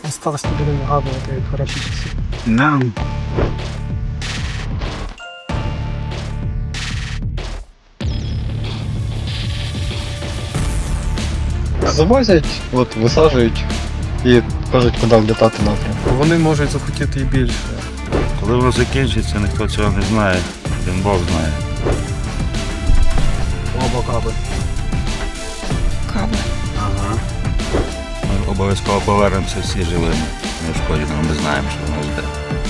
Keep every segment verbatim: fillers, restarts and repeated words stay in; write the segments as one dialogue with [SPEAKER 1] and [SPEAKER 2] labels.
[SPEAKER 1] На старості будемо згадувати хороші часи.
[SPEAKER 2] Да.
[SPEAKER 3] Завозять, от, висаджують і кажуть, куди влітати напрямку.
[SPEAKER 4] Вони можуть захотіти і більше.
[SPEAKER 2] Коли воно закінчиться, ніхто цього не знає, один Бог знає.
[SPEAKER 1] Оба каби.
[SPEAKER 5] Кабли.
[SPEAKER 2] Ага. Ми обов'язково повернемося всі живими. Не шкодимо, ми знаємо, що воно йде.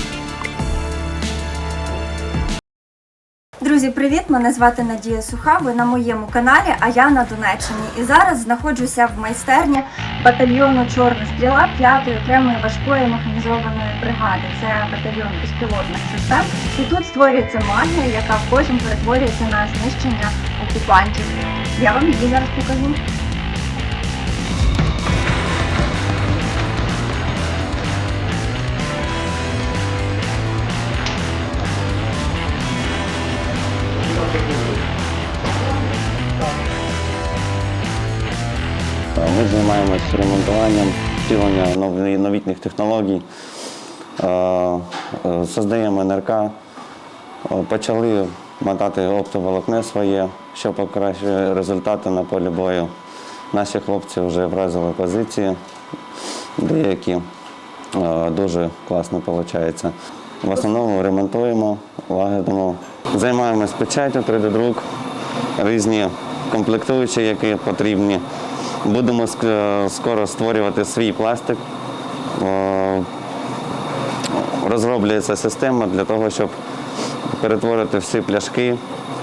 [SPEAKER 5] Друзі, привіт! Мене звати Надія Суха, ви на моєму каналі, а я на Донеччині. І зараз знаходжуся в майстерні батальйону «Чорна стріла» п'ятої окремої важкої механізованої бригади. Це батальйон безпілотних систем. І тут створюється магія, яка потім перетворюється на знищення окупантів. Я вам її зараз покажу.
[SPEAKER 6] Ми займаємося ремонтуванням, втіленням новітніх технологій, создаємо ен ер ка, почали мотати оптоволокно своє, що покращує результати на полі бою. Наші хлопці вже вразили позиції, деякі дуже класно виходить. В основному ремонтуємо, лагодимо. Займаємось печаттю, три дэ друк, різні комплектуючі, які потрібні. Будемо скоро створювати свій пластик. Розроблюється система для того, щоб перетворити всі пляшки,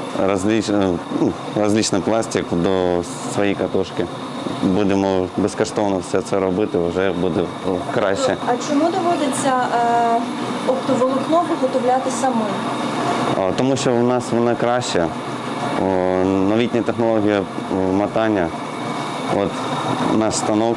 [SPEAKER 6] різний пластик до своєї катушки. Будемо безкоштовно все це робити, вже буде краще.
[SPEAKER 5] А чому доводиться е, оптоволокно виготовляти самим?
[SPEAKER 6] Тому що у нас вона краще. Новітні технології мотання. От наш станок,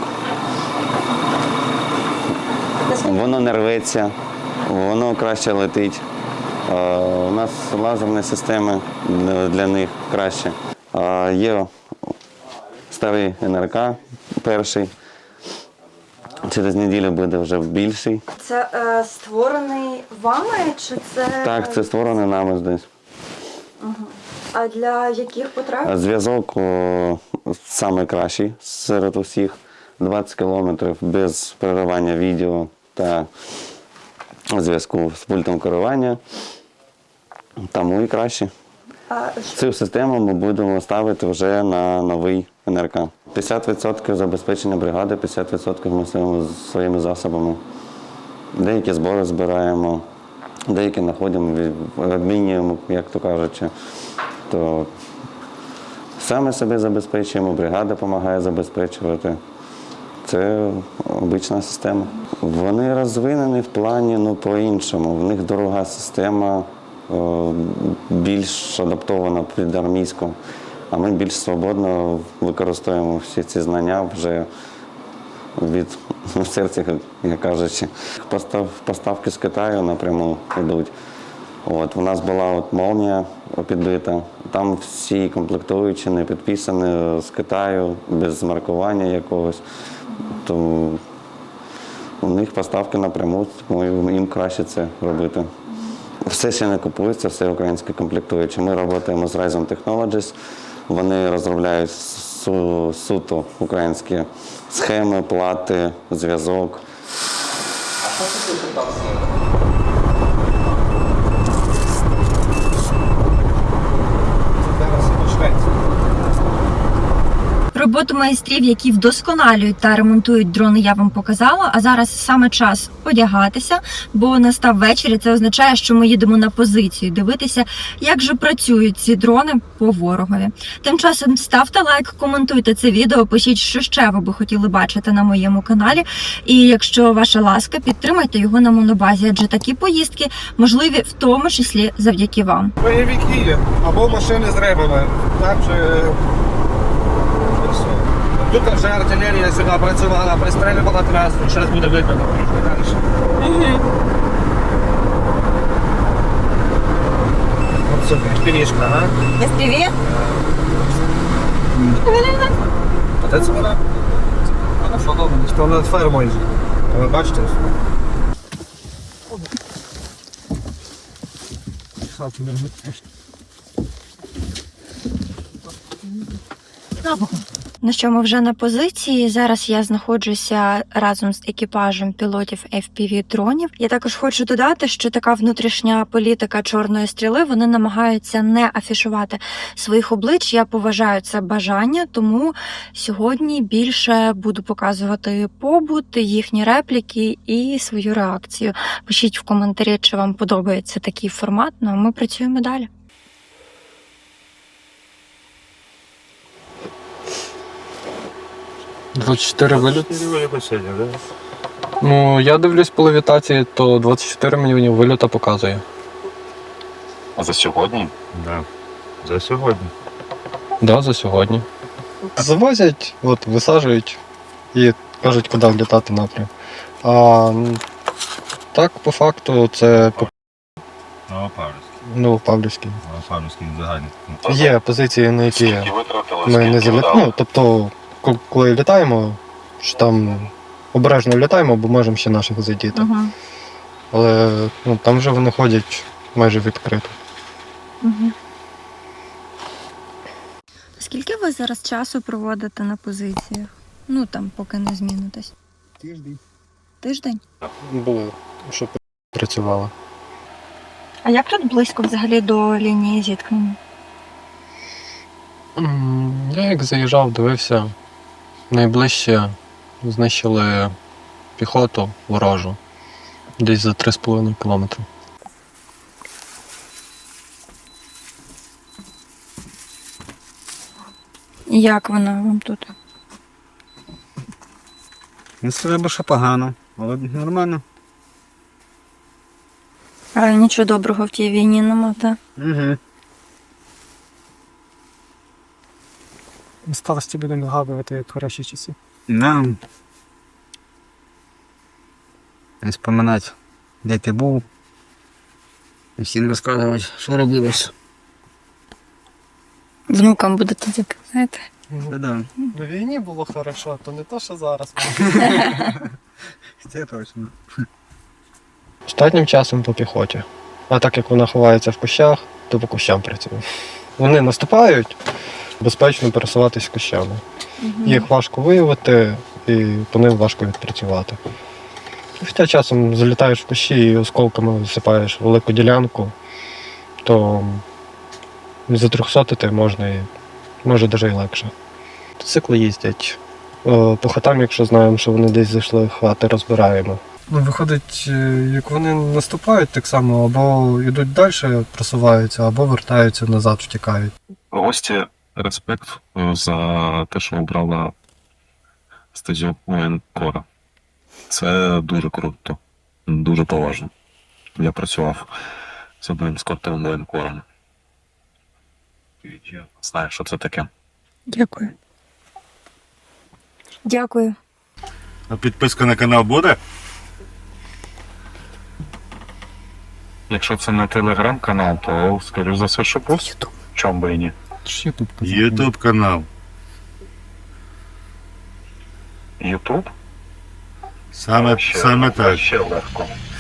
[SPEAKER 6] воно не рветься, воно краще летить. У нас лазерні системи для них краще. Є старий ен ер ка перший, через неділю буде вже більший.
[SPEAKER 5] Це е, створений вами чи це?
[SPEAKER 6] Так, це створений нами здесь.
[SPEAKER 5] Угу. А для яких потреб?
[SPEAKER 6] Зв'язок найкращий серед усіх. двадцять кілометрів без переривання відео та зв'язку з пультом керування. Тому і краще.
[SPEAKER 5] А
[SPEAKER 6] Цю систему ми будемо ставити вже на новий ен ер ка. п'ятдесят відсотків забезпечення бригади, п'ятдесят відсотків ми своїми, своїми засобами. Деякі збори збираємо, деякі знаходимо, обмінюємо, як то кажучи. То саме себе забезпечуємо, бригада допомагає забезпечувати. Це обична система. Вони розвинені в плані, ну, по-іншому. В них дорога система, більш адаптована під армійську, а ми більш свободно використовуємо всі ці знання вже від серця, як кажучи. Постав, поставки з Китаю напряму йдуть. От, у нас була от молнія підбита, там всі комплектуючі не підписані з Китаю, без маркування якогось. То у них поставки напряму, тому їм краще це робити. Все ще не купується, все українське комплектуючі. Ми працюємо з Ryzen Technologies, вони розробляють су, суто українські схеми, плати, зв'язок.
[SPEAKER 3] А що це комплектація?
[SPEAKER 5] Роботу майстрів, які вдосконалюють та ремонтують дрони, я вам показала. А зараз саме час одягатися, бо настав вечір, і це означає, що ми їдемо на позицію дивитися, як же працюють ці дрони по ворогові. Тим часом ставте лайк, коментуйте це відео, пишіть, що ще ви би хотіли бачити на моєму каналі. І якщо ваша ласка, підтримайте його на монобазі, адже такі поїздки можливі в тому числі завдяки вам.
[SPEAKER 4] Бойовики або машини з ребами. Там же... Тут вже артилерія сюди працювала, пристрілювала трасу, зараз буде видно далі. Ось сюди, пірішка, ага.
[SPEAKER 5] Ес пі ві?
[SPEAKER 4] А це вона? Вона фотована. Що над фермою. Ви бачите?
[SPEAKER 5] Ну що, ми вже на позиції. Зараз я знаходжуся разом з екіпажем пілотів еф пі ві-дронів. Я також хочу додати, що така внутрішня політика Чорної стріли, вони намагаються не афішувати своїх облич. Я поважаю це бажання, тому сьогодні більше буду показувати побут, їхні репліки і свою реакцію. Пишіть в коментарі, чи вам подобається такий формат, ну а ми працюємо далі.
[SPEAKER 3] двадцять чотири виліт.
[SPEAKER 2] Виліт сьогодні, да?
[SPEAKER 3] Ну, я дивлюсь по левітації, то двадцять чотири мені виліта показує.
[SPEAKER 2] А за сьогодні? Да. За сьогодні.
[SPEAKER 3] Да, за сьогодні. Завозять, от, висаджують і кажуть, куди влітати напрям. А м, так, по факту, це по-
[SPEAKER 2] Новопавлівський.
[SPEAKER 3] Новопавлівський.
[SPEAKER 2] Новопавлівський загальний.
[SPEAKER 3] Є позиції, на які ми не залітаємо. Ну, тобто, ко- коли літаємо, що там обережно літаємо, бо можемо ще наших задіти.
[SPEAKER 5] Угу.
[SPEAKER 3] Але ну, там вже вони ходять майже відкрито.
[SPEAKER 5] Угу. Скільки ви зараз часу проводите на позиціях? Ну там, поки не змінитесь.
[SPEAKER 1] Тиждень.
[SPEAKER 5] Тиждень?
[SPEAKER 3] Було, щоб працювало.
[SPEAKER 5] А як тут близько взагалі до лінії зіткнення?
[SPEAKER 3] М, Я як заїжджав, дивився, найближче знищили піхоту ворожу, десь за три з половиною кілометри.
[SPEAKER 5] І як вона вам тут?
[SPEAKER 2] Ну, це треба, що погано, але нормально.
[SPEAKER 5] А нічого доброго в тій війні нема, так?
[SPEAKER 2] Угу.
[SPEAKER 1] Старості будемо згадувати кращі часи.
[SPEAKER 2] Да. Не споминати, де ти був. І всім розказувати, що робилось.
[SPEAKER 5] Внукам будете таке, знаєте?
[SPEAKER 2] Да-да.
[SPEAKER 3] На війні було хорошо, то не то, що зараз.
[SPEAKER 2] Це точно.
[SPEAKER 3] Останнім часом по піхоті. А так як вона ховається в кущах, то по кущам працює. Вони наступають, безпечно пересуватись кущами. Їх важко виявити і по ним важко відпрацювати. Хоча часом залітаєш в кущі і осколками висипаєш велику ділянку, то затрьохсотити можна і може навіть і легше. Цикли їздять. О, По хатам, якщо знаємо, що вони десь зайшли, хати розбираємо. Ну, виходить, як вони наступають так само, або йдуть далі, просуваються, або вертаються назад, втікають.
[SPEAKER 7] Гості, респект за те, що обрала статтю воєнкора. Це дуже круто, дуже поважно. Я працював з одним скотовим воєнкором. Знаю, що це таке.
[SPEAKER 5] Дякую. Дякую.
[SPEAKER 2] А підписка на канал буде?
[SPEAKER 7] Якщо це не телеграм-канал, то, скоріш за все, що буде. Чом би і ні.
[SPEAKER 2] Ютуб канал.
[SPEAKER 7] Ютуб?
[SPEAKER 2] Саме, саме так.
[SPEAKER 7] Ще легко.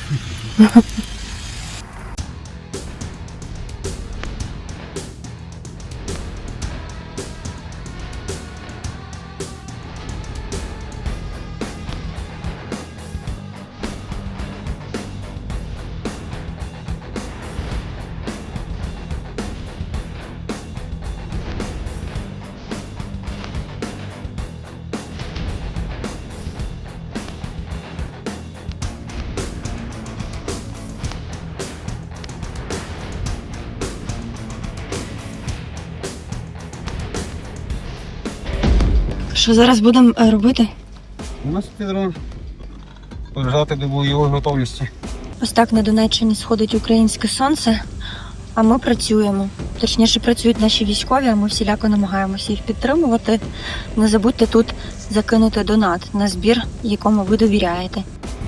[SPEAKER 5] Що зараз будемо е, робити?
[SPEAKER 4] У нас підрон. Лежати до бойової готовності.
[SPEAKER 5] Ось так на Донеччині сходить українське сонце, а ми працюємо. Точніше, працюють наші військові, а ми всіляко намагаємося їх підтримувати. Не забудьте тут закинути донат на збір, якому ви довіряєте.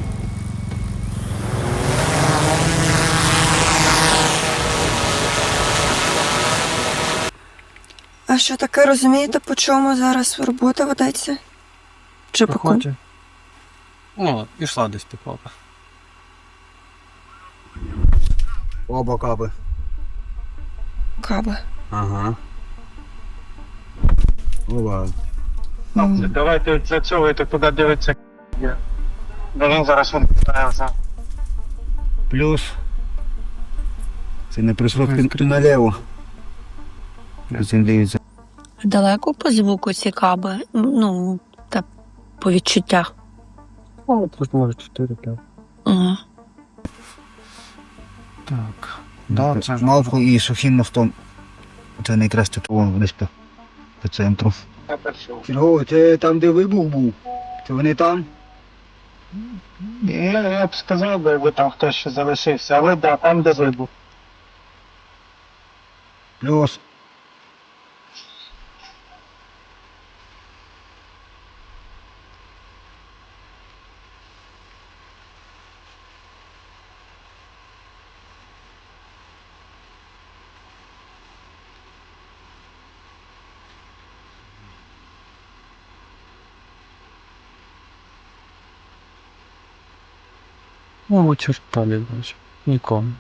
[SPEAKER 5] А що таке, розумієте, по чому зараз робота ведеться? Чи по кому?
[SPEAKER 3] О, пішла десь піхота.
[SPEAKER 2] Оба каби.
[SPEAKER 5] Каби.
[SPEAKER 2] Ага. Оба.
[SPEAKER 7] Давайте для цього йти туди дивитися. Бо він зараз він питається.
[SPEAKER 2] Плюс. Це не прийшло наліво. Цим дивиться.
[SPEAKER 5] Далеко по звуку ці каби? Ну, та по відчуттях.
[SPEAKER 3] О, тут може чотири п'ять.
[SPEAKER 5] Ага.
[SPEAKER 3] Так.
[SPEAKER 2] Да, це Малфу і сухим мостом. Це найкраще тут вон десь по, по центру. Чого, це там, де вибух був? Це вони там?
[SPEAKER 7] Я, я б сказав, би, якби там хтось ще залишився, але да, там де вибух.
[SPEAKER 2] Плюс.
[SPEAKER 3] О, черта не бачу. Нікому.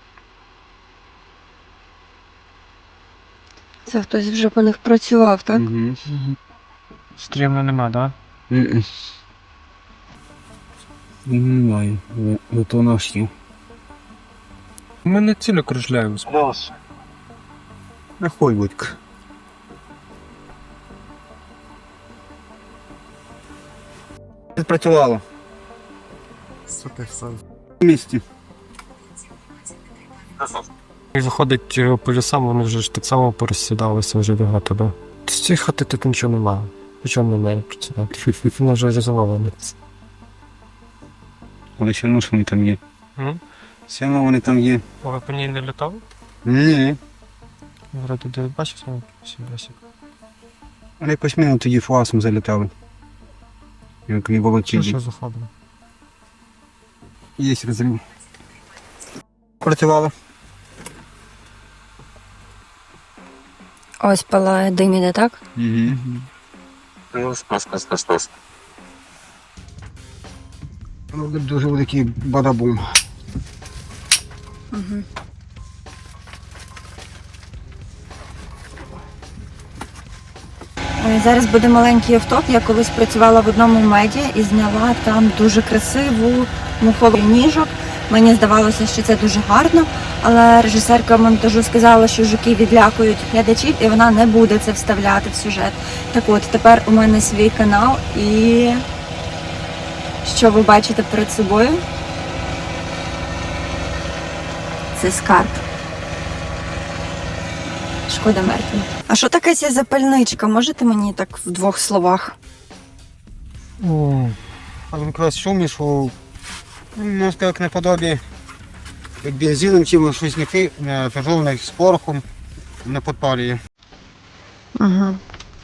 [SPEAKER 5] Це хтось вже по них працював, так?
[SPEAKER 2] Угу.
[SPEAKER 3] Стрімно нема, так?
[SPEAKER 2] Немає. Ото наш є.
[SPEAKER 3] Ми не цілі кружляємось.
[SPEAKER 7] Плюс.
[SPEAKER 2] Нахуй будь-ка. Працювало. В місті.
[SPEAKER 3] І заходить е, по лісам, вони вже ж так само порозсідалися вже багато, да? З цієї хати тут нічого немає. Нічого немає працювати. Вона вже резервована.
[SPEAKER 2] Але все одно ж вони там є.
[SPEAKER 3] М?
[SPEAKER 2] Все одно вони там є.
[SPEAKER 3] А ви по ній не літали?
[SPEAKER 2] Ні.
[SPEAKER 3] Вроде де бачив сам сібрасик.
[SPEAKER 2] Але якось ми тоді фуасом залітали. Як і волочили.
[SPEAKER 3] Що заходимо?
[SPEAKER 2] Є розрив. Працювало.
[SPEAKER 5] Ось палає дим іде, так?
[SPEAKER 2] Угу.
[SPEAKER 7] Плюс, плюс, плюс, плюс, плюс.
[SPEAKER 2] Буде дуже великий бадабум.
[SPEAKER 5] Угу. Зараз буде маленький автоп. Я колись працювала в одному меді і зняла там дуже красиву муховий ніжок. Мені здавалося, що це дуже гарно, але режисерка монтажу сказала, що жуки відлякують глядачів і вона не буде це вставляти в сюжет. Так от, тепер у мене свій канал і що ви бачите перед собою? Це скарб. Шкода мертвим. А що таке ця запальничка? Можете мені так в двох словах?
[SPEAKER 2] О, а він якраз шум ішов. Ну, як наподобі, як бензином чим щось не пожовне з порохом не підпалює.
[SPEAKER 5] Угу.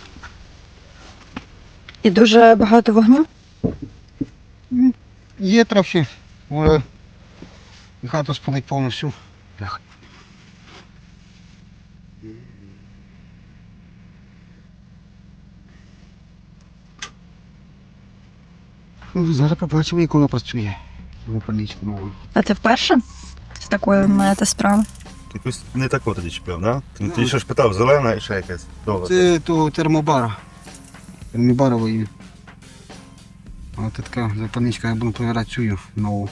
[SPEAKER 5] І дуже багато вогню?
[SPEAKER 2] Є трохи, але хату спалить повністю. Бляха. Ну, зараз побачимо, як воно працює. Випалічку нову.
[SPEAKER 5] А це вперше з такої маєте справи?
[SPEAKER 8] Ти якось не тако тоді чіпляв, да? Ти, ти що ж питав, зелена і ще якась довга.
[SPEAKER 2] Це того термобара. Термобарової. Ось така запальничка, я буду перевіряти цю нову.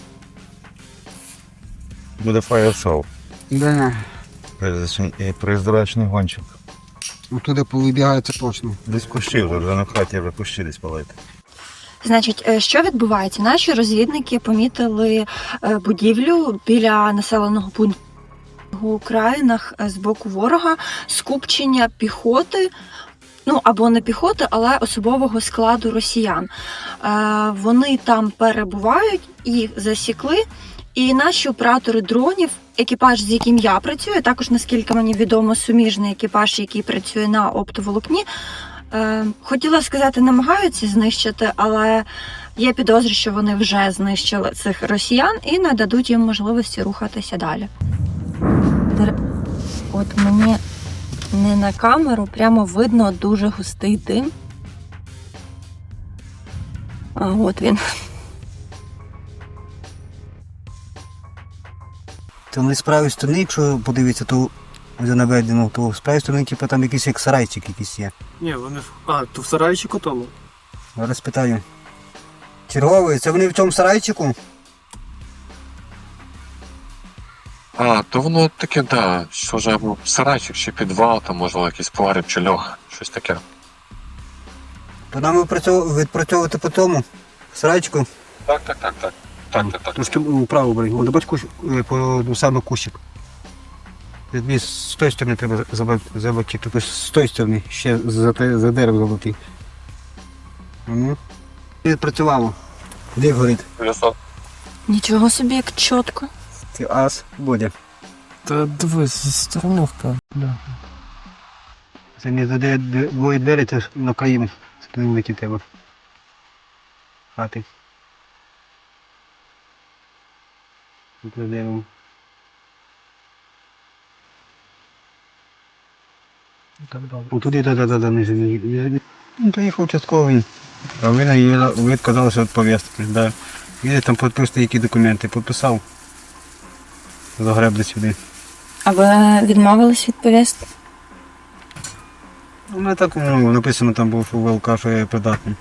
[SPEAKER 8] Буде фаєр-шоу.
[SPEAKER 2] Да.
[SPEAKER 8] Приздорачний гонщик.
[SPEAKER 2] Оттуда повибігається точно.
[SPEAKER 8] Десь кущі вже, вже на хаті вже кущі десь палити.
[SPEAKER 5] Значить, е, що відбувається? Наші розвідники помітили е, будівлю біля населеного пункту в Українах з боку ворога, скупчення піхоти, ну або не піхоти, але особового складу росіян. Е, Вони там перебувають, їх засікли, і наші оператори дронів, екіпаж, з яким я працюю, також, наскільки мені відомо, суміжний екіпаж, який працює на оптоволокні, Е, хотіла сказати, намагаються знищити, але є підозри, що вони вже знищили цих росіян і не дадуть їм можливості рухатися далі. От мені не на камеру, прямо видно дуже густий дим. А от він.
[SPEAKER 2] Там не з правої сторони, якщо подивитися, то вже наведено, то з правої сторони, типу, там якийсь як сарайчик якийсь є.
[SPEAKER 1] Ні, вони в. А, то в сарайчику тому.
[SPEAKER 2] Зараз питаю. Черговий, це вони в цьому сарайчику?
[SPEAKER 7] А, то воно таке, да, схоже, або сарайчик, чи підвал, там можливо якийсь погріб чи льох, щось таке.
[SPEAKER 2] То нам відпрацьовувати, відпрацьовувати по тому сарайчику.
[SPEAKER 7] Так, так, так, так. Так, так, так.
[SPEAKER 2] Трошки вправо бери. О, добач кущ, е, по ну, саме кущик. Тобі з тої сторони треба забити, тобто з тої сторони, ще за, те- за дерево забити. Ну. Відпрацювало. Де горить?
[SPEAKER 7] Висот.
[SPEAKER 5] Нічого собі, як чітко.
[SPEAKER 2] Це ас буде.
[SPEAKER 1] Та дивись, зі сторони впав. Да.
[SPEAKER 2] Це не за де- де- двоє двері, це ж на країну. Це не великі тебе. Хати. Тут за деревом. Отуди, да-да-да, не живі. Ну, приїхав участковий. А ви, наїли- ви відказалися від повістки. Да. Їде там підписати, які документи. Підписав. Загребли сюди.
[SPEAKER 5] А ви відмовились від повістки?
[SPEAKER 2] У мене так ну, написано там був у ВЛК, що я придатний.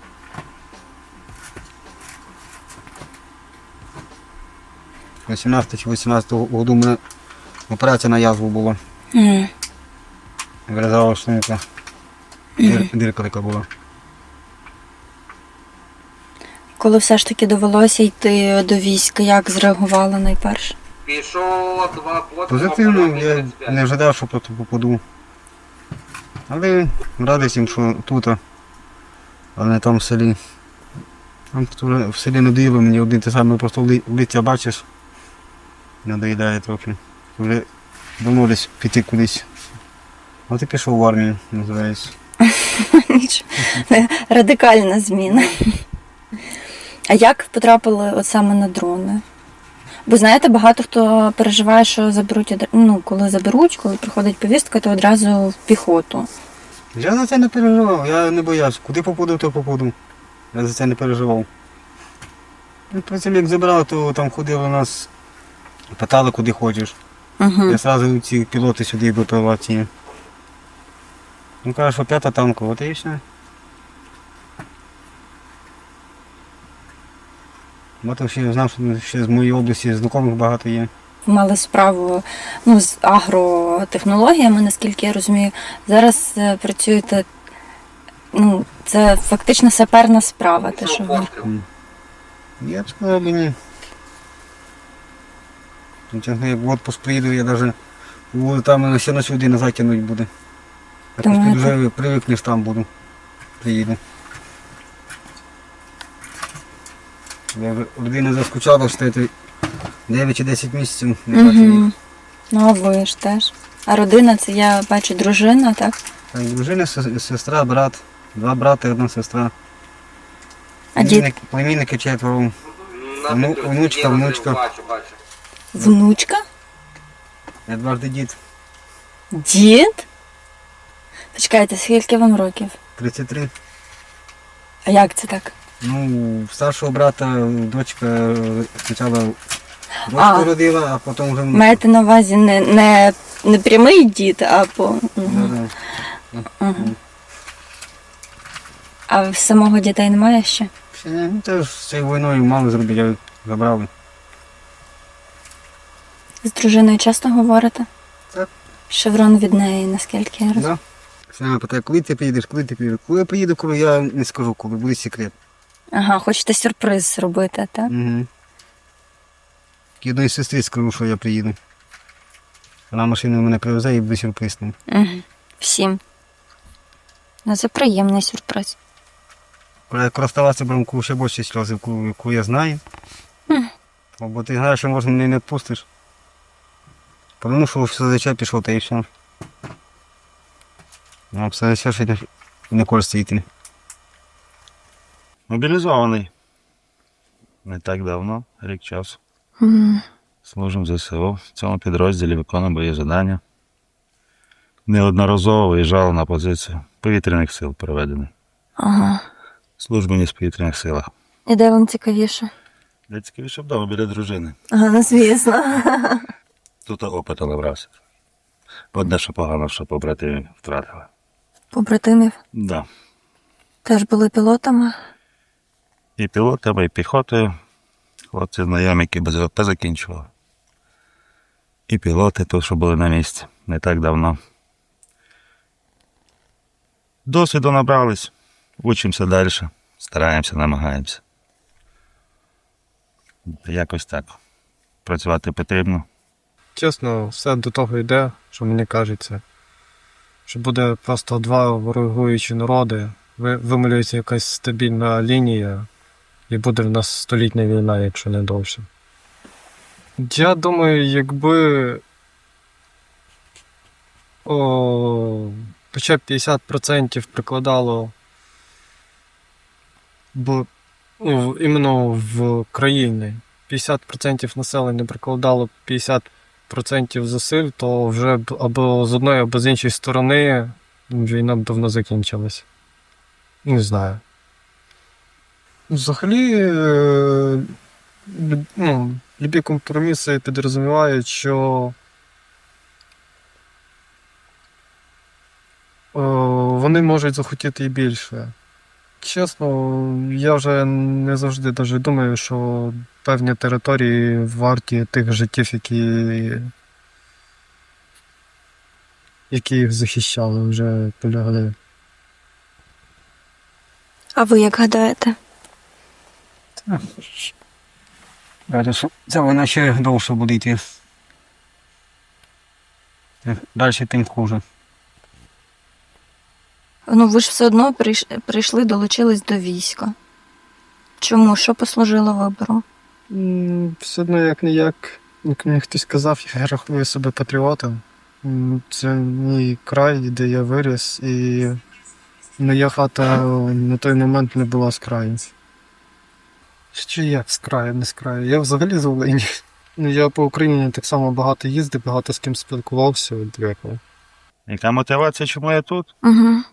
[SPEAKER 2] вісімнадцятого чи вісімнадцятого году у мене операція на язву була.
[SPEAKER 5] Mm.
[SPEAKER 2] Вирізала шлунка. Дир, дирка така була.
[SPEAKER 5] Коли все ж таки довелося йти до війська, як зреагували найперше?
[SPEAKER 4] Пішов, два потім.
[SPEAKER 2] Позитивно, я не ожидав, що просто попаду. Але радий всім, що тут, а не там в селі. Там тут вже в селі не доїли, мені один те саме просто в ли- в лиця бачиш. Не доїдає трохи. Вже давно десь піти кудись. От і пішов в армію, називається.
[SPEAKER 5] Нічого. Радикальна зміна. А як потрапили от саме на дрони? Бо знаєте, багато хто переживає, що заберуть, одра- ну, коли заберуть, коли приходить повістка, то одразу в піхоту.
[SPEAKER 2] Я за це не переживав, я не боявся. Куди попаду, то попаду. Я за це не переживав. Ну, потім як забрали, то там ходили нас, питали, куди хочеш.
[SPEAKER 5] Угу.
[SPEAKER 2] Я одразу ці пілоти сюди випивав ці. Ну каже, що п'ята танкова, от і все. Бо там ще знав, що ще з моєї області знайомих багато є.
[SPEAKER 5] Мали справу ну, з агротехнологіями, наскільки я розумію. Зараз е, працюєте, ну, це фактично саперна справа, те, що ви.
[SPEAKER 2] Я б сказав би ні. Ну, чесно, як в отпуск приїду, я навіть там ще на сюди не затягнуть буде. Я
[SPEAKER 5] Думаєте?
[SPEAKER 2] просто вже привикнеш там буду. Приїду. Я вже людина заскучала, що це дев'ять чи десять місяців не бачу їх.
[SPEAKER 5] Угу. Ну, а ви ж теж. А родина, це я бачу дружина, так?
[SPEAKER 2] Так, дружина, сес- сестра, брат, два брати, одна сестра.
[SPEAKER 5] А дід?
[SPEAKER 2] Племінники- Племінники четверо. Вну- внучка, внучка.
[SPEAKER 4] Бачу, бачу.
[SPEAKER 5] Внучка?
[SPEAKER 2] Я дважди дід.
[SPEAKER 5] Дід? Почекайте, скільки вам років?
[SPEAKER 2] тридцять три.
[SPEAKER 5] А як це так?
[SPEAKER 2] Ну, в старшого брата дочка е, спочатку дочку
[SPEAKER 5] А.
[SPEAKER 2] родила, а потім вже внучку.
[SPEAKER 5] Маєте на увазі не, не, не прямий дід, а по. Угу.
[SPEAKER 2] Да-да.
[SPEAKER 5] Угу. А в самого дітей немає ще?
[SPEAKER 2] Ще ні, ну це ж з цією війною мало зробити, я забрали.
[SPEAKER 5] З дружиною часто говорите?
[SPEAKER 2] Так.
[SPEAKER 5] Шеврон від неї, наскільки я розумію.
[SPEAKER 2] Да. Вона питає, коли ти приїдеш, коли ти приїдеш. Коли я приїду, коли я не скажу, коли буде секрет.
[SPEAKER 5] Ага, хочете сюрприз зробити, так?
[SPEAKER 2] Угу. Одної сестри скажу, що я приїду. Вона машину мене привезе і буде сюрприз. там.
[SPEAKER 5] Угу. Всім. Ну, це приємний сюрприз.
[SPEAKER 2] Коли я користувався бронку, ще більше сльози, яку, яку я знаю.
[SPEAKER 5] Мгм.
[SPEAKER 2] Бо ти знаєш, що може мене не відпустиш. Тому що все зачем пішов, та і все. А все ще ще не користується йти.
[SPEAKER 8] Мобілізований. Не так давно, рік часу.
[SPEAKER 5] Мгм.
[SPEAKER 8] Служимо в ЗСУ. В цьому підрозділі виконуємо бої завдання. Неодноразово виїжджали на позицію повітряних сил проведені.
[SPEAKER 5] Ага.
[SPEAKER 8] Службу не в повітряних силах.
[SPEAKER 5] І де вам цікавіше?
[SPEAKER 8] Для цікавіше вдома біля дружини.
[SPEAKER 5] Ага, ну звісно.
[SPEAKER 8] тут опиту набрався. Одне, що погано, що побратимів втратили.
[SPEAKER 5] Побратимів
[SPEAKER 8] Да.
[SPEAKER 5] теж були пілотами.
[SPEAKER 8] І пілотами, і піхотою. Хлопці знайомі, які без ВП закінчували. І пілоти тут, що були на місці не так давно. Досвіду набрались, учимося далі, стараємося, намагаємося. Якось так. Працювати потрібно.
[SPEAKER 3] Чесно, все до того йде, що мені кажеться. Що буде просто два ворогуючі народи, ви- вималюється якась стабільна лінія, і буде в нас столітня війна, якщо не довше. Я думаю, якби о, хоча б п'ятдесят відсотків прикладало б, ну, іменно в країні, п'ятдесят відсотків населення прикладало п'ятдесят відсотків зусиль, то вже б або з одної, або з іншої сторони війна б давно закінчилась. Не знаю. Взагалі, е, лю- ну, любі компроміси підрозумівають, що е, вони можуть захотіти і більше. Чесно, я вже не завжди даже думаю, що певні території варті тих життів, які, які їх захищали, вже полягли.
[SPEAKER 5] А ви як гадаєте?
[SPEAKER 2] Раді, що ця війна ще довше буде йти. Далі тим хуже.
[SPEAKER 5] Ну, ви ж все одно прийш- прийшли, долучились до війська. Чому? Що послужило вибору?
[SPEAKER 3] М, Все одно як не як, як мені хтось сказав, я рахую себе патріотом. М, Це мій край, де я виріс, і моя хата на той момент не була з краю. Чи як з краю, не з краю? Я взагалі з Волині. Ну, я по Україні так само багато їздив, багато з ким спілкувався. от якось.
[SPEAKER 8] Яка мотивація, чому я тут?
[SPEAKER 5] Угу.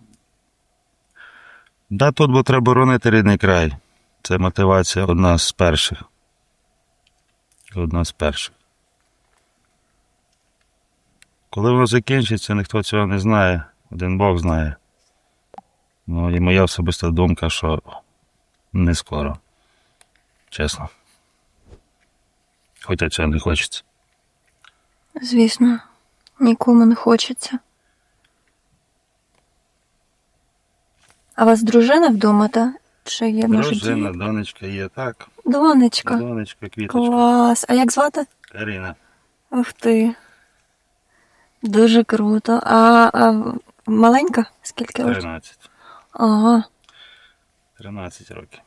[SPEAKER 8] Да, тут, бо треба боронити рідний край. Це мотивація одна з перших. Одна з перших. Коли воно закінчиться, ніхто цього не знає. Один Бог знає. Ну і моя особиста думка, що не скоро. Чесно. Хоча цього не хочеться.
[SPEAKER 5] Звісно, нікому не хочеться. А у вас дружина вдома, та? Чи є, може,
[SPEAKER 8] Дружина,
[SPEAKER 5] діти?
[SPEAKER 8] донечка є, так.
[SPEAKER 5] Донечка.
[SPEAKER 8] Донечка, квіточка.
[SPEAKER 5] Клас. А як звати?
[SPEAKER 8] Каріна.
[SPEAKER 5] Ух ти. Дуже круто. А, а маленька? Скільки років?
[SPEAKER 8] тринадцять.
[SPEAKER 5] Ага.
[SPEAKER 8] тринадцять років.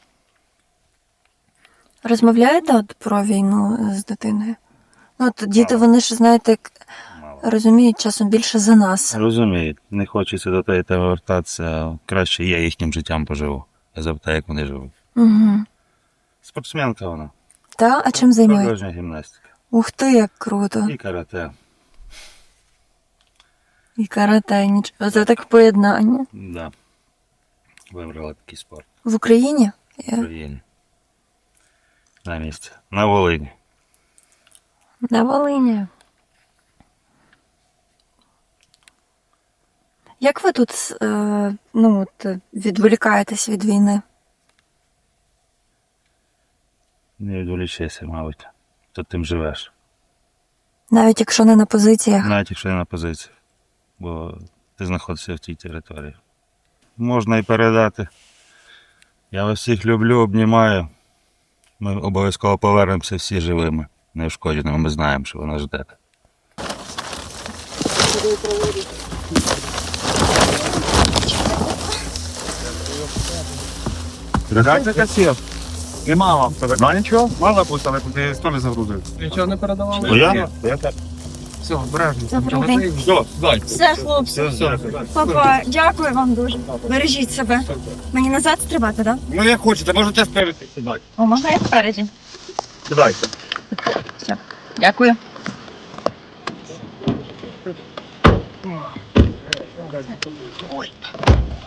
[SPEAKER 5] Розмовляєте от про війну з дитиною? Ну, от діти,
[SPEAKER 8] Мало.
[SPEAKER 5] вони ж, знаєте, як
[SPEAKER 8] Мало.
[SPEAKER 5] розуміють часом більше за нас.
[SPEAKER 8] Розуміють, не хочеться до тієї теми вертатися. Краще я їхнім життям поживу. Я запитаю, як вони живуть.
[SPEAKER 5] Угу.
[SPEAKER 8] Спортсменка вона.
[SPEAKER 5] Та? А чим займається?
[SPEAKER 8] Художня гімнастика.
[SPEAKER 5] Ух ти, як круто.
[SPEAKER 8] І карате.
[SPEAKER 5] І карате, нічого. Це так поєднання.
[SPEAKER 8] Да. Вибрала такий спорт.
[SPEAKER 5] В Україні?
[SPEAKER 8] В
[SPEAKER 5] Я-
[SPEAKER 8] Україні. На місці. На Волині.
[SPEAKER 5] На Волині. Як ви тут е, ну, от, відволікаєтесь від війни?
[SPEAKER 8] Не відволічайся, мабуть. Тут тим живеш.
[SPEAKER 5] Навіть якщо не на позиціях?
[SPEAKER 8] Навіть якщо не на позиції. Бо ти знаходишся в тій території. Можна і передати. Я вас всіх люблю, обнімаю. Ми обов'язково повернемося всі живими, неушкодженими. Ми знаємо, що ви нас ждете.
[SPEAKER 4] Дайте касір. І мама в тебе. Ну нічого, мала бути, але ти теж загрузив.
[SPEAKER 1] Нічого не передавали?
[SPEAKER 8] Ну я? Я так.
[SPEAKER 4] Все, обережно.
[SPEAKER 5] Добрий день.
[SPEAKER 4] Все, дай.
[SPEAKER 5] Все, хлопці.
[SPEAKER 8] Все,
[SPEAKER 5] Папа, дякую вам дуже. Бережіть себе. Мені назад стрибати, так?
[SPEAKER 4] Ну як хочете, можете спереди. Сідай.
[SPEAKER 5] О, можна я спереді?
[SPEAKER 4] Сідайте.
[SPEAKER 5] Все. Дякую. Ой.